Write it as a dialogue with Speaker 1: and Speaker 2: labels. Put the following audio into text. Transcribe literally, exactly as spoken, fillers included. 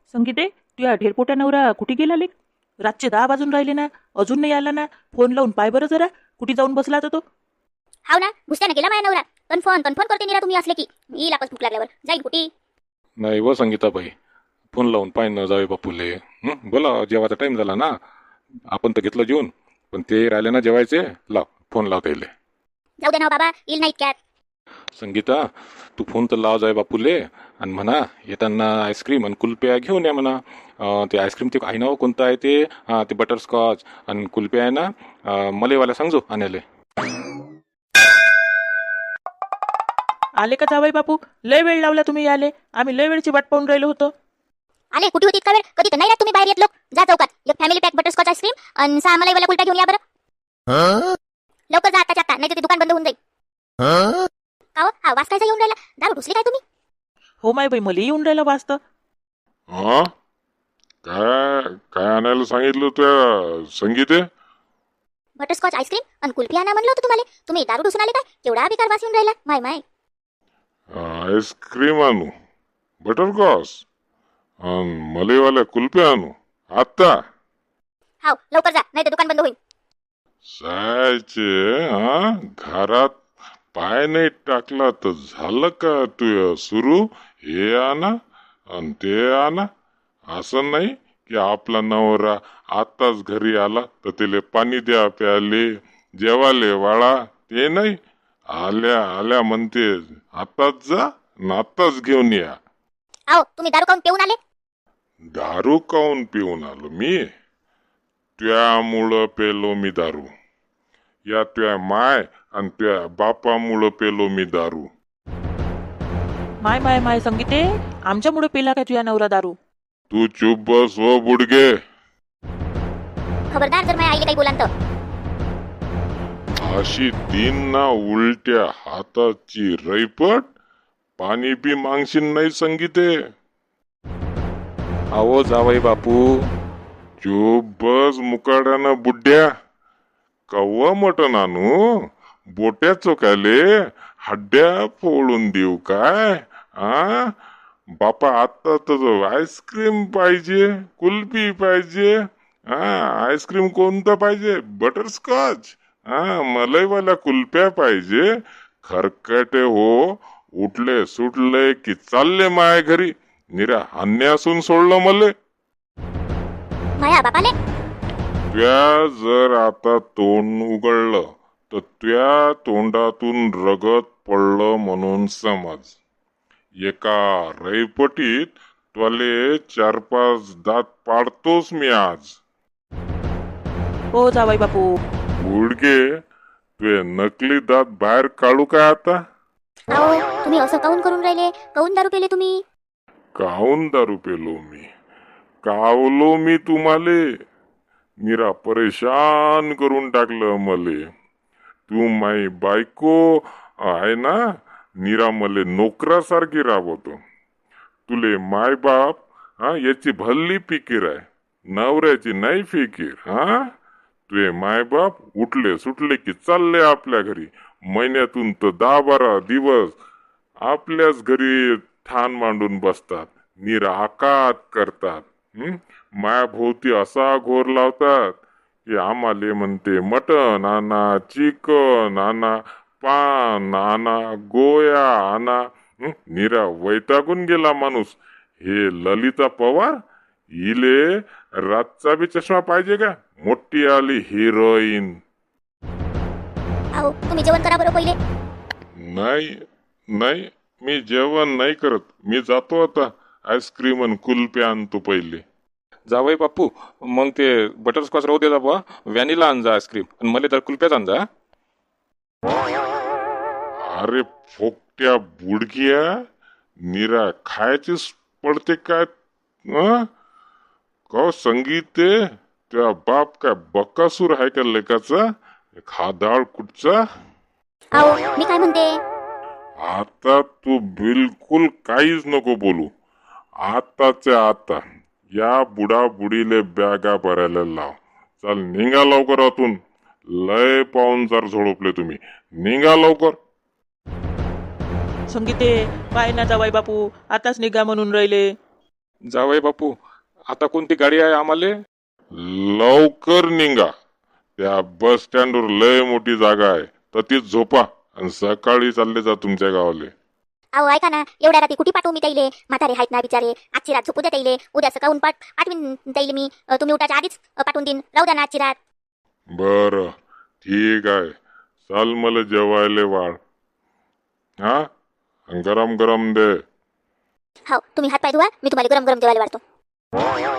Speaker 1: संगीते, तुझ्या ढेरपोट्या नवरा कुठे गेला लेक? रातचे दहा वाजून राहिले ना, अजून नाही आला ना. फोन लावून पाय बरं जरा, कुठे जाऊन बसला आता तो.
Speaker 2: हाव ना, घुसत्यानं गेला माझ्या नवरा. कन्फर्म कन्फर्म करते निरा तुम्ही असले की येईल आपण भूक लागल्यावर जाईल कुठे.
Speaker 3: नाही व संगीताबाई, फोन लावून पाय न जावे बापूले. हं? बोला, जेवायचा टाईम झाला ना. आपण तर घेतलं जेवून, पण ते राहिले ना जेवायचे. लाव फोन लाव त्याले.
Speaker 2: जाऊ दे ना हो बाबा, येईल ना इतक्यात.
Speaker 3: संगीता, तू फोन तर लाव जाय बापूले आणि म्हणा येताना आईस्क्रीम आणि कुल्प्या घेऊन या म्हणा. अं, ते आईस्क्रीम ते आहे ना हो, कोणतं आहे ते? हां, ते बटरस्कॉच आणि कुल्प्या आहे ना. अं, मलेवाला सांगजो आणायले.
Speaker 1: आले का जावई बापू? लय वेळ लावला तुम्ही आले. आम्ही लय वेळची वाट पाहून राहिलो होतो.
Speaker 2: आले कुठे होती इतका वेळ? कधी तर नाही राहत तुम्ही बाहेर येत लोक. जा चौकात एक फॅमिली पॅक बटरस्कॉच आईस्क्रीम आणि सहा मलाईवाला कुलटा घेऊन या बरं. लवकर जा आताच्या आता, नाही तर ते दुकान बंद होऊन जाईल. का हो? हा वास कायचा येऊन राहिला? दारू ढुसली काय तुम्ही?
Speaker 1: हो माय बाई, मला येऊन राहिलं वाचतं.
Speaker 4: हा, काय काय आणायला सांगितलं त्या संगीते?
Speaker 2: बटरस्कॉच आईस्क्रीम आणि कुल्फी आणा म्हणलं होतं तुम्हाला. तुम्ही दारू ढुसून आले काय? केवढा बेकार वास येऊन राहिला. माय माय.
Speaker 4: आईस्क्रीम आणू, बटरकॉस आणि मलेवाल्या कुल्फ्या आणू आता?
Speaker 2: हाव लवकर जा, नाही तर दुकान बंद होईल.
Speaker 4: जायचे हा, घरात पाय नाही टाकला तर झालं का तू सुरू? हे आणा आणि ते आणा. असं नाही की आपला नवरा आताच घरी आला तर तिले पाणी द्या प्याले, जेवाले वाळा, ते नाही. आल्या आल्या म्हणते आताच जा न आताच घेऊन या.
Speaker 2: आओ तुम्ही दारू खाऊन पिऊन आले?
Speaker 4: दारू काऊन पिऊन आलो मी? त्यामुळं पेलो मी दारू. या त्या माय आणि त्या बापामुळं पेलो मी दारू.
Speaker 1: माय माय माय संगीते, आमच्यामुळे पेला काय तुझ्या नवरा दारू?
Speaker 4: तू चुप बस हो बुडगे.
Speaker 2: खबरदार जर माझ्या आईला काही बोलान तर.
Speaker 4: अशी तीन ना उलट्या हाताची रैपट, पाणी बी मागशील नाही संगीते.
Speaker 3: अहो जावई बापू,
Speaker 4: चुप बस मुकाड्यानं बुड्ड्या. कव्वा मटण आणू? बोट्या चोकाले हड्ड्या फोडून देऊ काय? आ बापा, आता तर आईस्क्रीम पाहिजे, कुल्फी पाहिजे. हा, आईस्क्रीम कोणतं पाहिजे? बटरस्कॉच. हा, मलईवाल्या कुल्फ्या पाहिजे. खरकटे हो, उठले सुटले की चालले माया घरी. निरा अन्यासून सोडलं मले.
Speaker 2: माया बापाले.
Speaker 4: त्या जर आता तोंड उघडलं तर त्या तोंडातून रगत पडलं म्हणून समज. एका रैपटीत त्वले चार पाच दात पाडतोस मी आज.
Speaker 1: हो जावई बापू.
Speaker 4: गुडगे, तुझे नकली दात बाहेर काढू काय आता?
Speaker 2: आओ तुम्ही असं काऊन करून राहिले? काऊन दारू पेले तुम्ही?
Speaker 4: काहून दारू पेलो मी? कावलो मी तुम्हाले? निरा परेशान करून टाकलं मले. तू माई बायको आहे ना, निरा मले नोकरासारखी राबवतो. तुले माय बाप हा याची भल्ली फिकीर आहे, नवऱ्याची नाही फिकीर. हा, तुझे माय बाप उठले सुटले की चालले आपल्या घरी. महिन्यातून तर दहा बारा दिवस आपल्याच घरी ठाण मांडून बसतात, निरा आकात करतात. हं? मायाभोवती असा घोर लावतात की आम्हाले म्हणते मटण आणा, चिकन आणा, पान आणा, गोया आणा. हं? निरा वैतागून गेला माणूस. हे ललिता पवार, इले रातचा बी चष्मा पाहिजे का? मोठी आली हिरोईन.
Speaker 2: आओ तुम्ही जेवण करा बरं पहिले.
Speaker 4: नाही नाही, मी जेवण नाही करत. मी जातो आता, आईस्क्रीम आणि कुल्फ्या आणतो पहिले.
Speaker 3: जावई बापू, मग ते बटरस्कॉच राहू दे बा, व्हॅनिला आण जा आईस्क्रीम आणि मला तर कुल्प्याच आण जा.
Speaker 4: अरे फोकट्या बुडक्या, निरा खायचीच पडते काय? अं? का संगीते, त्या बाप काय बकासूर आहे का लेकाचा? खादाळ कुठचा?
Speaker 2: आओ मी काय म्हणते?
Speaker 4: आता तू बिलकुल काहीच नको बोलू. आताच्या आता या बुडा बुडीले बॅगा भरायला लाव. चल निघा लवकर आतून. लय पाहुणचार झोडपले तुम्ही. निघा लवकर.
Speaker 1: संगीते, पाय ना जावई बापू, आताच निघा म्हणून राहिले.
Speaker 3: जावई बापू, आता कोणती गाडी आहे आम्हाला?
Speaker 4: लवकर निघा. त्या बस स्टँडवर लय मोठी जागा आहे, तर तीच झोपा आणि सकाळी चालले जा तुमच्या गावाले.
Speaker 2: अहो ऐका ना, एवढ्या रात्री कुठे पाठवू मी त्याइले? म्हातारे आहेत ना बिचारे, आजची रात झोपू द्या त्याइले. उद्या सकाळून पाठ पाठवीन त्याइले मी. अ, तुम्ही उठाच्या आधीच अ, पाठवून देईन. राहू द्या ना आजची रात.
Speaker 4: बर, ठीक आहे. चाल मला जेवायले वाढ. हा, आणि गरम गरम दे.
Speaker 2: हो, तुम्ही हात पाय धुवा, मी तुम्हाला गरम गरम जेवायला वाढतो.